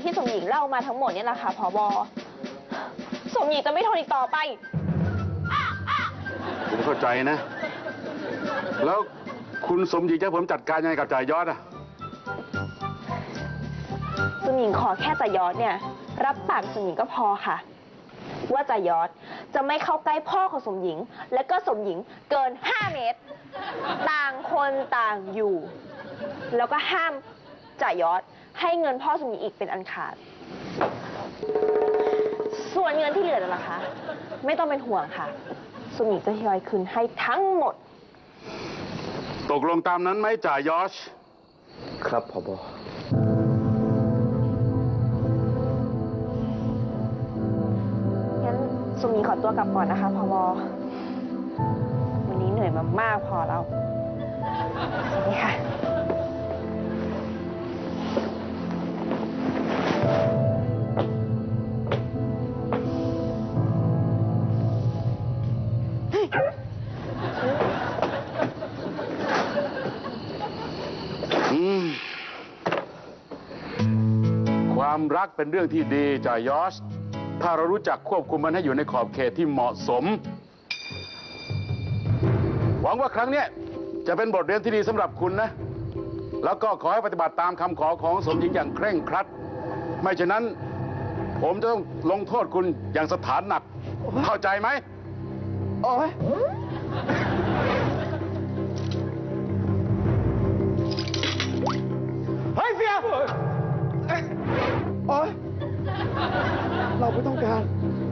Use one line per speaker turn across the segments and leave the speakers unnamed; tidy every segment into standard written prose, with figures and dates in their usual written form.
ที่สมหญิงเล่ามาทั้งหมดเนี่ยแหละค่ะผบ.สมหญิงจะไม่ทนอีกต่อไป
ผมเข้าใจนะแล้วคุณสมหญิงจะผมจัดการยังไงกับจ่ายอดอะ
สมหญิงขอแค่จ่ายอดเนี่ยรับปากสมหญิงก็พอค่ะว่าจ่ายอดจะไม่เข้าใกล้พ่อของสมหญิงและก็สมหญิงเกิน5 เมตรต่างคนต่างอยู่แล้วก็ห้ามจ่ายอดให้เงินพ่อสมหญิงอีกเป็นอันขาดส่วนเงินที่เหลือนั่นล่ะคะไม่ต้องเป็นห่วงค่ะสมหญิงจะทยอยคืนให้ทั้งหมด
ตกลงตามนั้นไหมจ่ายอช
ครับผบ.
งั้นสมหญิงขอตัวกลับก่อนนะคะผบ.วันนี้เหนื่อยมามากพอแล้วสวัสดีค่ะ
ความรักเป็นเรื่องที่ดีจ่ายอชถ้าเรารู้จักควบคุมมันให้อยู่ในขอบเขตที่เหมาะสมหวังว่าครั้งนี้จะเป็นบทเรียนที่ดีสำหรับคุณนะแล้วก็ขอให้ปฏิบัติตามคำขอของสมหญิงอย่างเคร่งครัดไม่ฉะนั้นผมจะต้องลงโทษคุณอย่างสถานหนักเข้าใจไหม
โอ้ยเฮ้ยเฟียโอ๊ยเราไม่ต้องการ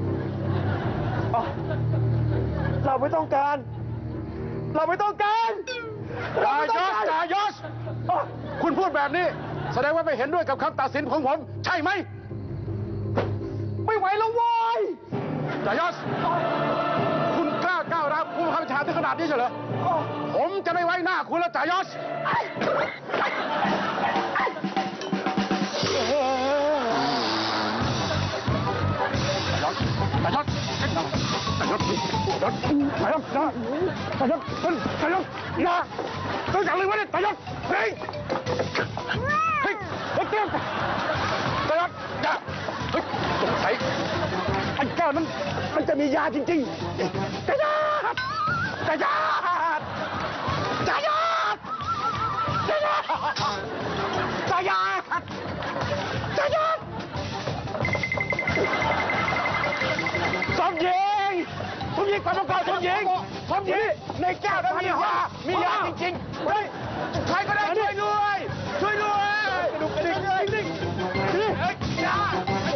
เราไม่ต้องการเราไม่ต้องการ
จ่ายอชคุณพูดแบบนี้แสดงว่าไม่เห็นด้วยกับคำตัดสินของผมใช่ไหม
ไม่ไหวแล้ววาย
จ่ายอชคุณกล้าก้าวร้าวผู้บังคับบัญชาถึงขนาดนี้เฉยเหรอผมจะไม่ไว้หน้าคุณแล้วจ่ายอชตายศอย่าต้องจับเลยว่าเนี่ยตายศเฮ้ยเฮ้ยเตรียมตายศอย่าเฮ้ยสงสัยไอ้แก้วนั้นมันจะมียาจริงๆจ่ายศจ่ายศจ่ายศจ่ายศจ่ายศจ่ายศสมหญิงกลับมาก่อนสมหญิงในแก้วนั้นมียาจริงๆเฮ้ยใครก็ได้ช่วยด้วยดูกระดิ่งยา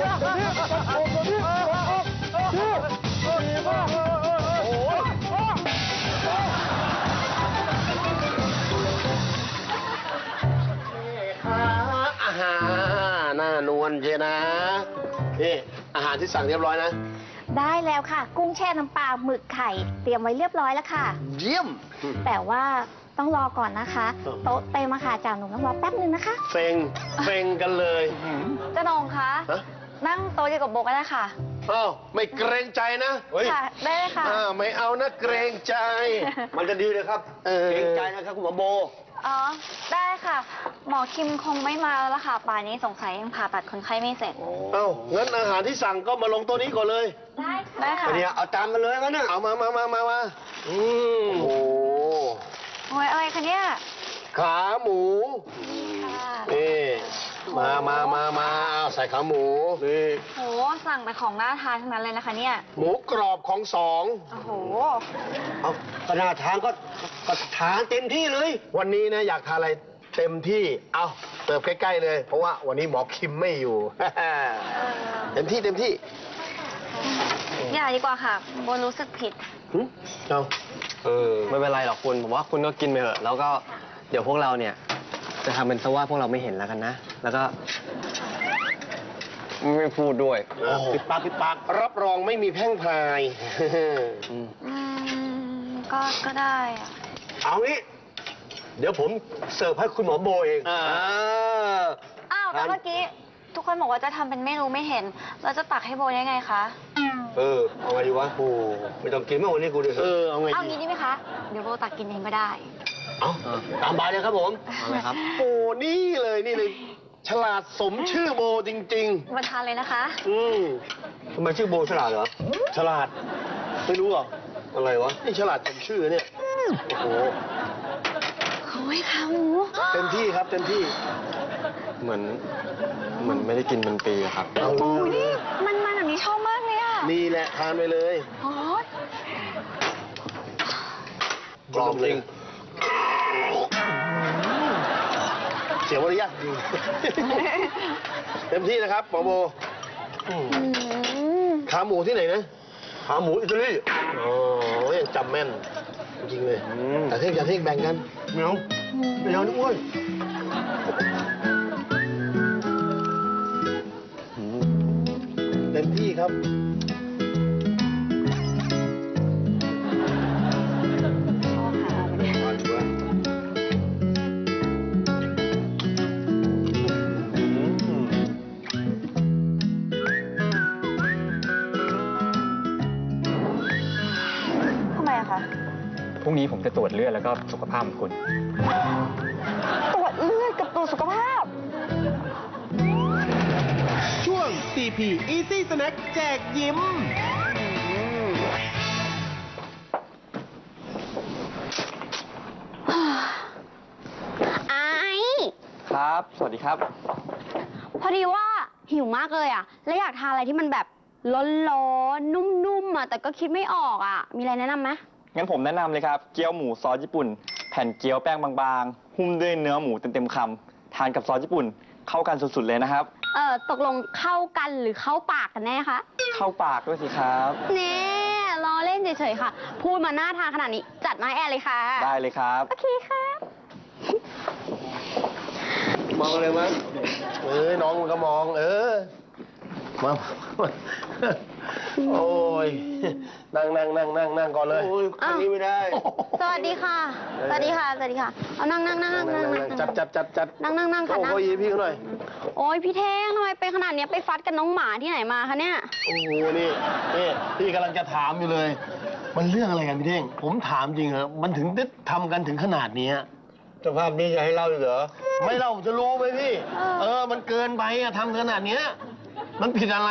อาหารน่านวลเชียนะนี่อาหารที่สั่งเรียบร้อยนะ
ได้แล้วค่ะกุ้งแช่น้ำปลาหมึกไข่เตรียมไว้เรียบร้อยแล้วค่ะ
เยี่ยม
แต่ว่าต้องรอก่อนนะคะโต๊ะเต็มค่ะจ่าหนุ่มต้องรอแป๊บนึงนะคะ
เซ็งกันเลย
จ่าหนุ่มคะนั่งโต๊ะเดียวกับโบก็ได้ค่ะ
อ้าวไม่เกรงใจนะ
ค่ะได้เลยค่ะ
ไม่เอานะเกรงใจมันจะดีเลยครับเกรงใจนะครับคุณหมอโบ
อ๋อได้ค่ะหมอคิมคงไม่มาแล้วล่ะค่ะป่านนี้สงสัยยังผ่าตัดคนไข้ไม่เสร็จ
งั้นอาหารที่สั่งก็มาลงโต๊ะนี้ก่อนเลย
ได้ค่ะ
เดี๋ยวเอาจานมาเลยงั้นนะเอามาโอ้
ยอะไรคะเนี่ย
ขาหมูนี่มาใส่ขาหมูนี่
โหสั่งแต่ของน่าทานทั้งนั้นเลยนะคะเนี่ย
หมูกรอบของสอง
โอ้โห
เอาก็น่าทานก็ทานเต็มที่เลยวันนี้นะอยากทานอะไรเต็มที่เอาเสิร์ฟใกล้ๆเลยเพราะว่าวันนี้หมอคิมไม่อยู่เต็มที่
อย่าดีกว่าค่ะโบรู้สึกผิด
เอา
ไม่เป็นไรหรอกคุณผมว่าคุณก็กินไปเถอะแล้วก็เดี๋ยวพวกเราเนี่ยจะทำเป็นซะว่าพวกเราไม่เห็นแล้วกันนะแล้วก็ไม่พูดด้วย
ปิดปากรับรองไม่มีแพร่งพราย
ก็ได้
เอางี้เดี๋ยวผมเสิร์ฟให้คุณหมอโบเอง
อ้าวแต่เมื่อกี้ทุกคนบอกว่าจะทำเป็นไม่รู้ไม่เห็นเราจะตักให้โบได้ไงคะ
เอาไงดีวะโอ้ไม่ต้องกินเมื่อวันนี้กูดิ
เอางี้ดีไหมคะเดี๋ยวโบตักกินเองก็ได้
เอาตามบายเลยครับผม
เอาเลยครับ
โอ้นี่เลยฉลาดสมชื่อโบจริง
มาทานเลยนะคะ
ทำไมชื่อโบฉลาดเหรอ ฉลาด ไม่รู้เหรอ อะไรวะ นี่ฉลาดสมชื่อเนี่ย โอ้โห
โอ้ยขาหมู
เต็มที่ครับ เต็มที่
เหมือนไม่ได้กินเป็นปีอะครับ
เอา
โอ้ยนี่มันแบบนี้ชอบมากเลยอ่ะ
นี่แหละทานไปเลย
โอ้ย
กรอบจริง เสียมารยาทจริง เต็มที่นะครับหมอโบขาหมูที่ไหนนะ ขาหมูอิตาลีโอ้ยจำแม่น จริงเลยแต่เท่งแบ่งกันไม่เอาไม่เอานี่อ้วนเต็มที่ครับ
ทำไมอะคะ
พรุ่งนี้ผมจะตรวจเลือดแล้วก็สุขภาพของคุณ
ตรวจเลือดกับตรวจสุขภาพ
ช่วง CP Easy Snack แจกยิ้ม
ไอ
ครับ สวัสดีครับ
พอดีว่าหิวมากเลยอ่ะ แล้วอยากทานอะไรที่มันแบบร้อนๆ นุ่มๆอ่ะ แต่ก็คิดไม่ออกอ่ะ มีอะไรแนะนำไหม
งั้นผมแนะนำเลยครับ เกี๊ยวหมูซอสญี่ปุ่น แผ่นเกี๊ยวแป้งบางๆ หุ้มด้วยเนื้อหมูเต็มๆคำ ทานกับซอสญี่ปุ่น เข้ากันสุดๆเลยนะครับ
ตกลงเข้ากันหรือเข้าปากกันแน่คะ
เข้าปากด้วยสิครับ
เน่ล้อเล่นเฉยๆค่ะ พูดมาน่าทานขนาดนี้ จัดมาให้แอร์เลยค่ะ
ได้เลยครับ
โอเคค่ะ
มองเลยมั้ยน้องมันก็มอง มาโอ้ย นั่งก่อนเลย โอ้ย
อ้าว
นี้ไม่ได้
สวัสดีค่ะ สวัสดีค่ะ สวัสดีค่ะ เอานั่งนั่งนั่งนั่งนั่งนั่ง
จัด
นั่งนั่งนั่งค่ะ
โอ้
นั่ง
โหยีพี่เขาหน่อย
โอ้ยพี่เท่งทำไมเป็นขนาดเนี้ยไปฟัดกับน้องหมาที่ไหนมาคะเนี่ย
โอ้โห นี่พี่กำลังจะถามอยู่เลย มันเรื่องอะไรกันพี่เท่ง ผมถามจริงเหรอ มันถึงได้ทำกันถึงขนาดนี้สภาพนี้จะให้เล่าอีกเหรอ ไม่เล่าจะรู้ไหมพี่ มันเกินไปอะทำขนาดเนี้ย มันผิดอะไร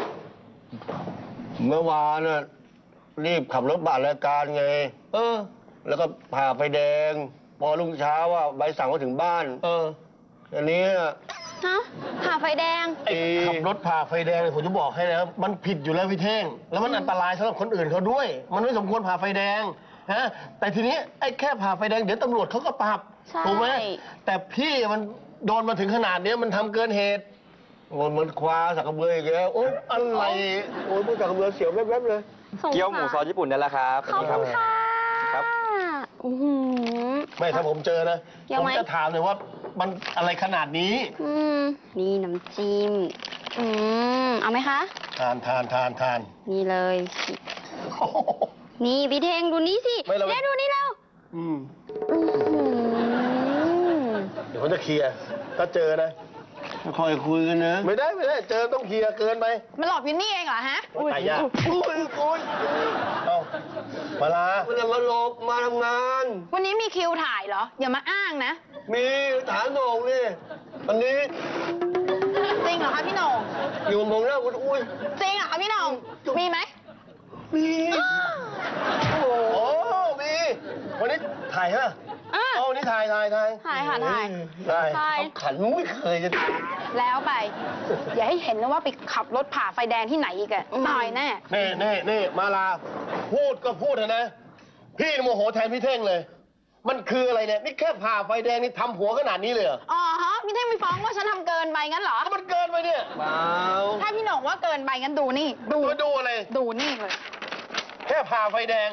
เมื่อวานน่ะรีบขับรถบัตรรายการไง แล้วก็ผ่าไฟแดง พอรุ่งเช้าว่าใบสั่งมาถึงบ้าน อันนี้
ฮะผ่าไฟแดง
ขับรถผ่าไฟแดงเนี่ยผมจะบอกให้นะมันผิดอยู่แล้วพี่เท่ง แล้วมันอันตรายสำหรับคนอื่นเขาด้วย มันไม่สมควรผ่าไฟแดงฮะแต่ทีนี้ไอ้แค่ผ่าไฟแดงเดี๋ยวตำรวจเขาก็ปรับ
ใช่
ถูกไหมแต่พี่มันโดนมาถึงขนาดเนี้ยมันทำเกินเหตุมันคว้าสักกระเบืออีกแล้วโอ๊ยอะไรโอ๊ยพวกสักกระเบือเสียวแวบๆเลย
สงสาร
เกี๊ยวหมูซอสญี่ปุ่นนั่นแหละครับ
ขอบคุณค่ะ
ครับ
อื้อหือ
ไม่ถ้าผมเจอนะ
ยัง
ผม
ไง
จะถามเลยว่ามันอะไรขนาดนี้
นี่น้ำจิ้มเอาไหมคะ
ทาน
นี่เลย นี่พี่เทงดูนี่สิ
ไม่เรา
แม่ดูนี่เรา
อืม
อื้อหือ
เดี๋ยวผมจะเคลียร์ถ้าเจอนะค่อยคุยกันนะไม่ได้เจอต้องเคลียร์เกินไป
มันหลอกวินนี่เองเหรอฮะ
โอ๊ยตายยากอุ้ยเอ้ามาลามันจะมาหลบมาทำงาน
วันนี้มีคิวถ่ายเหรอ อย่ามาอ้างนะ
มีฐานโหน่งนี่อันนี้
จริงเหรอคะพี่โหน่ง
อยู่มองหน้าคุณอุ้ย
จริงเหรอคะพี่โหน่งมีไหม
มีโอ้โหมีวันนี้ถ่ายฮะ
อ่ะ
เอาวันนี้ถ่าย
ถ่ายค่ะถ่าย
ได้
ถ่าย
เอาขันไม่เคยจะ
แล้วไป อย่าให้เห็นนะว่าไปขับรถผ่าไฟแดงที่ไหนอีกอะตายแน่
นี่มาลาพูดก็พูดเถอะนะ พี่โมโหแทนพี่เท่งเลย มันคืออะไรเนี่ย นี่แค่ผ่าไฟแดงนี่ทำหัวขนาดนี้เลยเหรอ
อ๋อฮะพี่เท่งไปฟ้องว่าฉันทำเกินไปงั้นเหรอ
มันเกินไปเนี่ยเปล่า
ถ้าพี่โหน่งว่าเกินไปงั้นดูนี่
ดูอะไร
ดูนี่เลย
แค่ผ่าไฟแดง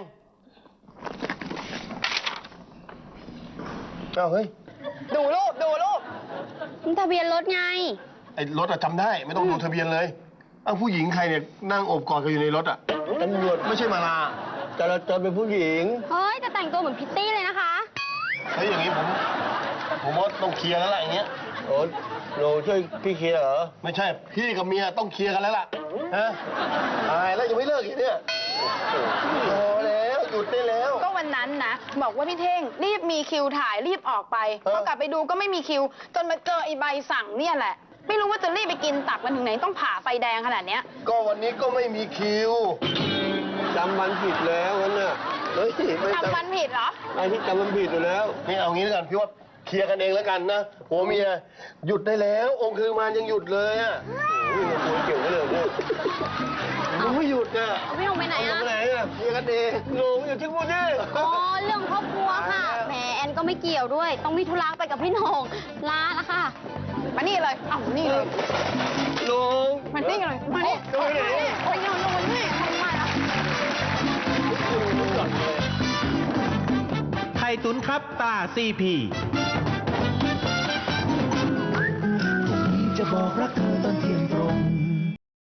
เอ้าเฮ้ย
ดูรูป
มันทะเบียนรถไง
ไอ้รถอะจำได้ไม่ต้องดูทะเบียนเลยเอ้าผู้หญิงใครเนี่ยนั่งโอบกอดกันอยู่ในรถอะตำรวจไม่ใช่มาลาจราจรเป็นผู้หญิง
เฮ้ยแต่แต่งตัวเหมือนพิตตี้เลยนะคะ
เฮ้ยอย่างนี้ผมว่าต้องเคลียร์แล้วล่ะอย่างเงี้ยโอ้โหช่วยพี่เคลียร์เหรอไม่ใช่พี่กับเมียต้องเคลียร์กันแล้วล่ะฮะตายแล้วยังไม่เลิกอีกเนี่ยพอแล้วหยุดได้แล้ว
ก็วันนั้นนะ บอกว่าพี่เท่งรีบมีคิวถ่ายรีบออกไป
เออ
พอกลับไปดูก็ไม่มีคิว จนมาเจอไอ้ใบสั่งเนี่ยแหละ ไม่รู้ว่าจะรีบไปกินตับกันถึงไหนต้องผ่าไฟแดงขนาดเนี้ย
ก็วันนี้ก็ไม่มีคิวจำวันผิดแล้วนั่นน่ะเฮ้ยไม่
ทำมันผิดเหรอ
ไอ้ที่จำมันผิดอยู่แล้วนี่เอางี้แล้วกันพี่ว่าเคลียร์กันเองแล้วกันนะผัวเมียหยุดได้แล้ว องค์คือมานยังหยุดเลยอ่ะโอ้ยมันควรเกี่ยวกันเลยเนี่ยมันไม่หยุดอ่ะ
เอาพี่หงไปไหน
เอา
อะ
ไปไหนอ่ะเคลียร์กันเองโง่อยู่ที่พูดนี่
อ๋อ เรื่องครอบครัวค่ะ แหมแอนก็ไม่เกี่ยวด้วย ต้องมีธุระไปกับพี่โหน่งลาละค่ะ
มานี่เลยเอ้านี่เลย
ลุง
มานี่เลย มานี่
ดูไหน
ไปนอนลงนี่ทำไมล่ะ
ไข่ตุ๋นครับตา CP พรุ่งนี้จะบอกรักเธอ